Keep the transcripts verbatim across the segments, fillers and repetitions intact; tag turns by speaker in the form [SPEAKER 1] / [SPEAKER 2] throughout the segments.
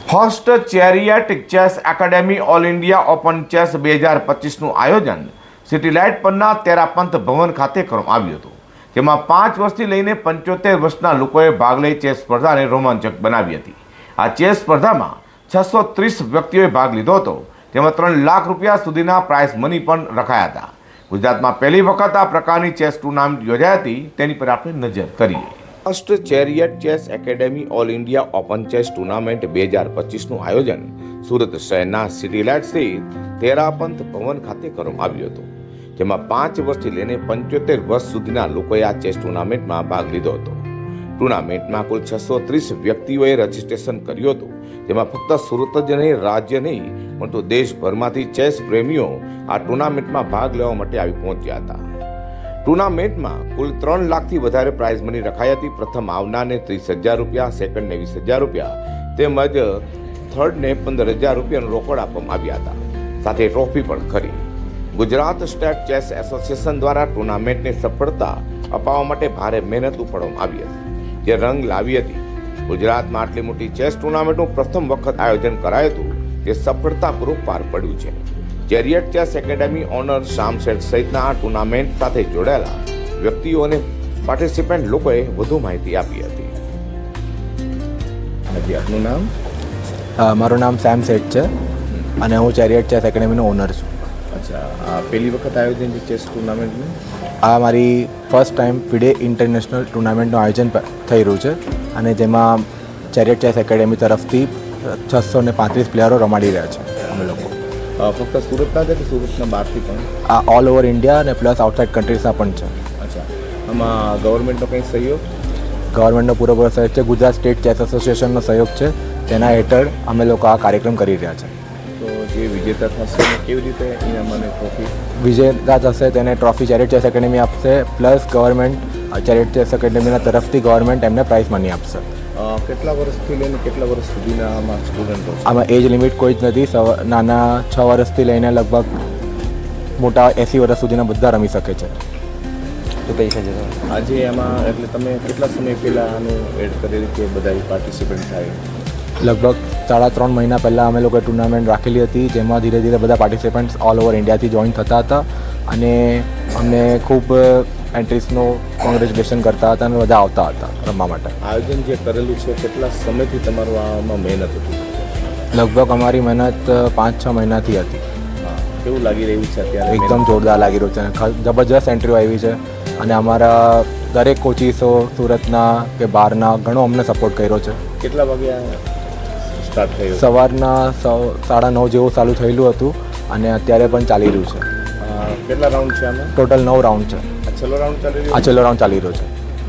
[SPEAKER 1] First chariot chess academy all India open chess બે હજાર પચીસનું આયોજન સિટીલાઇટ પરના તેરાપંથ ભવન ખાતે કરવામાં આવ્યું હતું, જેમાં પાંચ વર્ષથી લઈને પંચોતેર વર્ષના લોકોએ ભાગ લઈ ચેસ સ્પર્ધાને રોમાંચક બનાવી હતી. આ ચેસ સ્પર્ધામાં છસો ત્રીસ વ્યક્તિઓએ ભાગ લીધો હતો, જેમાં ત્રણ લાખ રૂપિયા સુધીના પ્રાઇઝ મની પણ રખાયા હતા. ગુજરાતમાં પહેલી વખત આ પ્રકારની ચેસ ટુર્નામેન્ટ યોજાઈ હતી, તેની પર આપણે નજર કરીએ. First chariot chess academy all India open chess tournament બે હજાર પચીસનું આયોજન સુરત શહેરના સિટીલાઇટ સ્થિત તેરાપંથ ભવન ખાતે કરવામાં આવ્યું હતું, જેમાં પાંચ વર્ષથી લઈને પંચોતેર વર્ષ સુધીના લોકોએ આ ચેસ ટુર્નામેન્ટમાં ભાગ લીધો હતો. ટુર્નામેન્ટમાં કુલ છસો ત્રીસ વ્યક્તિઓએ રજીસ્ટ્રેશન કર્યું હતું, જેમાં ફક્ત સુરત જ નહીં, રાજ્ય નહીં પરંતુ દેશભરમાંથી ચેસ પ્રેમીઓ આ ટુર્નામેન્ટમાં ભાગ લેવા માટે આવી પહોંચ્યા હતા. ટુર્નામેન્ટમાં કુલ ત્રણ લાખથી વધારે પ્રાઇઝ મની રખાઈ હતી. પ્રથમ આવનારને ત્રીસ હજાર રૂપિયા, સેકન્ડને વીસ હજાર રૂપિયા તેમજ થર્ડને પંદર હજાર રૂપિયાનું રોકડ આપવામાં આવ્યા હતા, સાથે ટ્રોફી પણ ખરી. ગુજરાત સ્ટેટ ચેસ એસોસિએશન દ્વારા ટુર્નામેન્ટને સફળતા અપાવવા માટે ભારે મહેનત ઉપાડવામાં આવી હતી, જે રંગ લાવી હતી. ગુજરાતમાં આટલી મોટી ચેસ ટુર્નામેન્ટનું પ્રથમ વખત આયોજન કરાયું હતું, જે સફળતાપૂર્વક પાર પડ્યું છે. Chariot chess academy owner Shyam Sheth સહિતના આ ટુર્નામેન્ટ સાથે જોડાયેલા વ્યક્તિઓ અને પાર્ટિસિપન્ટ લોકોએ વધુ માહિતી આપી હતી. હજી આપનું નામ?
[SPEAKER 2] મારું નામ શ્યામ શેઠ છે અને હું ચેરિયટ ચેસ એકેડેમીનો ઓનર છું.
[SPEAKER 1] અચ્છા, આ પહેલી વખત આયોજન છે ચેસ ટુર્નામેન્ટનું?
[SPEAKER 2] આ મારી ફર્સ્ટ ટાઈમ ફિડે ઇન્ટરનેશનલ ટુર્નામેન્ટનું આયોજન થઈ રહ્યું છે અને જેમાં ચેરિયટ ચેસ એકેડેમી તરફથી છસો ને પાંત્રીસ પ્લેયરો રમાડી રહ્યા છે. અમે લોકો
[SPEAKER 1] ફક્ત સુરતના છે કે સુરતના બહારથી પણ?
[SPEAKER 2] આ ઓલ ઓવર ઇન્ડિયા અને પ્લસ આઉટસાઇડ કન્ટ્રીઝના પણ છે.
[SPEAKER 1] અચ્છા, આમાં ગવર્મેન્ટનો કંઈ સહયોગ?
[SPEAKER 2] ગવર્મેન્ટનો પૂરેપૂરો સહયોગ છે. ગુજરાત સ્ટેટ ચેસ એસોસિએશનનો સહયોગ છે, તેના હેઠળ અમે લોકો આ કાર્યક્રમ કરી રહ્યા છે.
[SPEAKER 1] તો જે વિજેતા થશે કેવી રીતે ઇનામ અને ટ્રોફી?
[SPEAKER 2] વિજેતા થશે તેને ટ્રોફી ચેરિયટ ચેસ એકેડેમી આપશે, પ્લસ ગવર્મેન્ટ ચેરિયટ ચેસ એકેડેમીના તરફથી ગવર્મેન્ટ એમને પ્રાઇઝ મની આપશે.
[SPEAKER 1] કેટલા વર્ષથી લઈને કેટલા વર્ષ સુધીના આમાં સ્ટુડન્ટો?
[SPEAKER 2] આમાં એજ લિમિટ કોઈ જ નથી. નાના છ વર્ષથી લઈને લગભગ મોટા એંસી વર્ષ સુધીના બધા રમી શકે છે.
[SPEAKER 1] તો પૈસા જતો આજે એમાં એટલે તમે કેટલા સમય પહેલાં આનું એડ કરેલી કે બધા પાર્ટિસિપેન્ટ થાય?
[SPEAKER 2] લગભગ સાડા ત્રણ મહિના પહેલાં અમે લોકોએ ટુર્નામેન્ટ રાખેલી હતી, જેમાં ધીરે ધીરે બધા પાર્ટિસિપન્ટ્સ ઓલ ઓવર ઇન્ડિયાથી જોઈન થતા હતા અને અમને ખૂબ એન્ટ્રીસનો કોંગ્રેચ્યુલેશન કરતા હતા અને બધા આવતા હતા રમવા માટે.
[SPEAKER 1] આયોજન જે કરેલું છે કેટલા સમયથી તમારું આમાં મહેનત હતી?
[SPEAKER 2] લગભગ અમારી મહેનત પાંચ છ મહિનાથી હતી.
[SPEAKER 1] કેવું લાગી રહ્યું છે અત્યારે?
[SPEAKER 2] એકદમ જોરદાર લાગી રહ્યું છે. જબરજસ્ત એન્ટ્રીઓ આવી છે અને અમારા દરેક કોચિસો સુરતના કે બહારના ઘણો અમને સપોર્ટ કર્યો છે.
[SPEAKER 1] કેટલા વાગ્યા સ્ટાર્ટ થયું?
[SPEAKER 2] સવારના સાડા નવ જેવું ચાલુ થયેલું હતું અને અત્યારે પણ ચાલી રહ્યું છે.
[SPEAKER 1] કેટલા રાઉન્ડ છે આમાં?
[SPEAKER 2] ટોટલ નવ રાઉન્ડ છે.
[SPEAKER 1] છેલ્લો રાઉન્ડ ચાલી રહ્યો?
[SPEAKER 2] આ છેલ્લો રાઉન્ડ ચાલી રહ્યો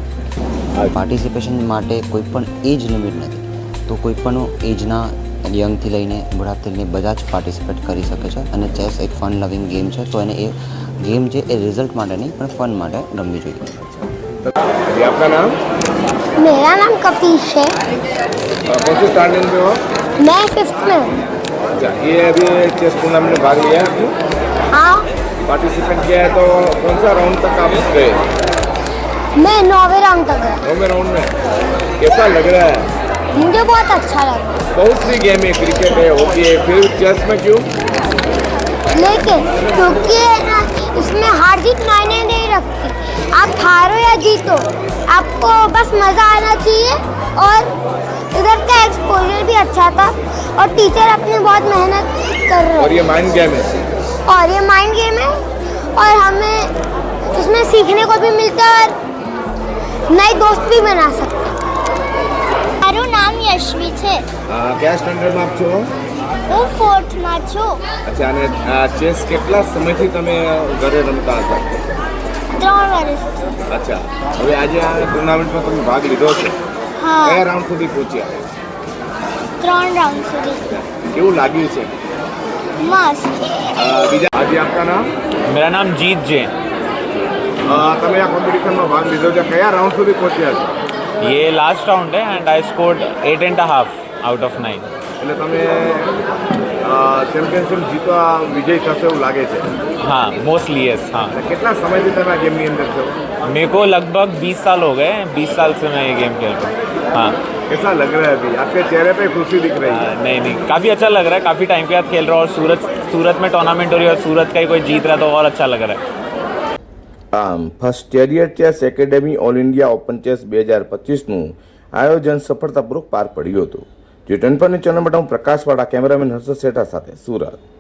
[SPEAKER 2] છે.
[SPEAKER 3] પાર્ટિસિપેશન માટે કોઈ પણ એજ લિમિટ નથી, તો કોઈ પણ એજના યંગથી લઈને બુઢાથી લઈને બધા જ પાર્ટિસિપેટ કરી શકે છે અને ચેસ એક ફન લવિંગ ગેમ છે, તો એને એ ગેમ છે એ રિઝલ્ટ માટે નહીં પણ ફન માટે રમવી જોઈએ.
[SPEAKER 1] આપका नाम?
[SPEAKER 4] मेरा नाम कपीश है।
[SPEAKER 1] कौन से स्टैंडर्ड में हो?
[SPEAKER 4] मैं फिफ्थ में हूँ।
[SPEAKER 1] अच्छा, ये अभी चेस टूर्नामेंट में भाग लिया है?
[SPEAKER 4] हाँ,
[SPEAKER 1] पार्टिसिपेट किया है, तो कौन सा राउंड तक आप गए?
[SPEAKER 4] मैं नौवे राउंड तक गया।
[SPEAKER 1] नौवे राउंड में कैसा लग रहा है?
[SPEAKER 4] मुझे बहुत अच्छा लगा।
[SPEAKER 1] बहुत सी गेम है, क्रिकेट है, हॉकी है, फिर चेस में क्यों?
[SPEAKER 4] लेकिन क्योंकि ना इसमें हार जीत मायने नहीं रखती, आप हारो या जीतो, आपको बस मज़ा आना चाहिए। और इधर का एक्सपोजर भी अच्छा था और टीचर अपनी बहुत मेहनत कर रहे हैं।
[SPEAKER 1] और ये माइंड गेम है?
[SPEAKER 4] और ये माइंड गेम है और हमें इसमें सीखने को भी मिलता है और नए दोस्त भी बना सकते हैं। माરું નામ યશ્વી છે।
[SPEAKER 1] કયા સ્ટેન્ડર્ડમાં આપ છો?
[SPEAKER 4] હું ફોર્થમાં છું।
[SPEAKER 1] અચ્છા, અને આ ચેસ કેટલા સમયથી તમે ઘરે રમતા હતા?
[SPEAKER 4] ત્રણ વર્ષથી।
[SPEAKER 1] અચ્છા, હવે આજે આ ટુર્નામેન્ટમાં તમે ભાગ લીધો છે,
[SPEAKER 4] હા,
[SPEAKER 1] કયા રાઉન્ડ સુધી પહોંચ્યા?
[SPEAKER 4] ત્રણ રાઉન્ડ સુધી।
[SPEAKER 1] કેવું લાગ્યું છે?
[SPEAKER 4] મસ્ત।
[SPEAKER 1] બીજા આજે આપકા નામ?
[SPEAKER 5] मेरा नाम जीत जैन।
[SPEAKER 1] તમે આ કોમ્પિટિશનમાં ભાગ લીધો છે, કયા રાઉન્ડ સુધી પહોંચ્યા છો?
[SPEAKER 5] ये लास्ट राउंड है and I scored eight and half out of nine.
[SPEAKER 1] એટલે તમે ચેમ્પિયનશિપ જીતવા વિજય થશે એવું લાગે છે?
[SPEAKER 5] हाँ, मोस्टली यस। हाँ,
[SPEAKER 1] અને કેટલા સમયથી તમે આ ગેમની અંદર છો?
[SPEAKER 5] मेरे को लगभग बीस साल हो गए हैं। बीस साल से मैं ये गेम खेल रहा हूँ। हाँ,
[SPEAKER 1] कैसा लग रहा है अभी? आपके चेहरे पे खुशी दिख रही है।
[SPEAKER 5] नहीं नहीं काफ़ी अच्छा लग रहा है, काफ़ी टाइम के बाद खेल रहा हूँ और सूरत सूरत में टूर्नामेंट हो रही है और सूरत का ही कोई जीत रहा है तो और अच्छा लग रहा है।
[SPEAKER 1] આમ first chariot chess academy all India open chess બે હજાર પચીસનું આયોજન સફળતાપૂર્વક પાર પડ્યું હતું. જે ટ્વેન્ટી ફોર ન્યૂઝ ચેનલ માટે હું પ્રકાશવાળા કેમેરામેન હર્ષદ શેઠા સાથે સુરત.